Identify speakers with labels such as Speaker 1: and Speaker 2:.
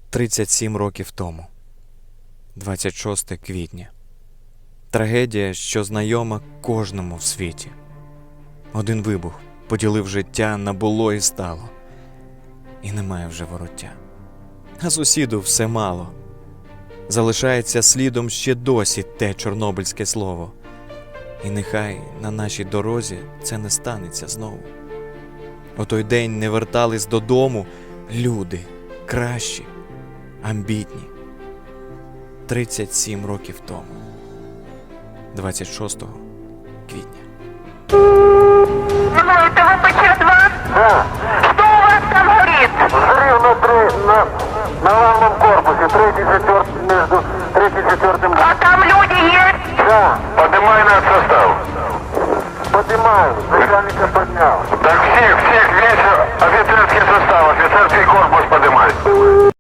Speaker 1: 37 років тому, 26 квітня. Трагедія, що знайома кожному в світі. Один вибух поділив життя на було і стало. І немає вже вороття. А сусіду все мало. Залишається слідом ще досі те чорнобильське слово. І нехай на нашій дорозі це не станеться знову. У той день не вертались додому люди кращі, амбітні. 37 років тому, 26 квітня.
Speaker 2: Это ВПЧ-2?
Speaker 3: Да.
Speaker 2: Что у вас там горит?
Speaker 3: Взрыв на главном корпусе, между третьим и четвертым.
Speaker 2: А там люди есть?
Speaker 3: Да,
Speaker 4: Поднимай наш состав.
Speaker 3: поднимаю, начальника поднял.
Speaker 4: Так всех весь офицерский состав, офицерский корпус поднимай.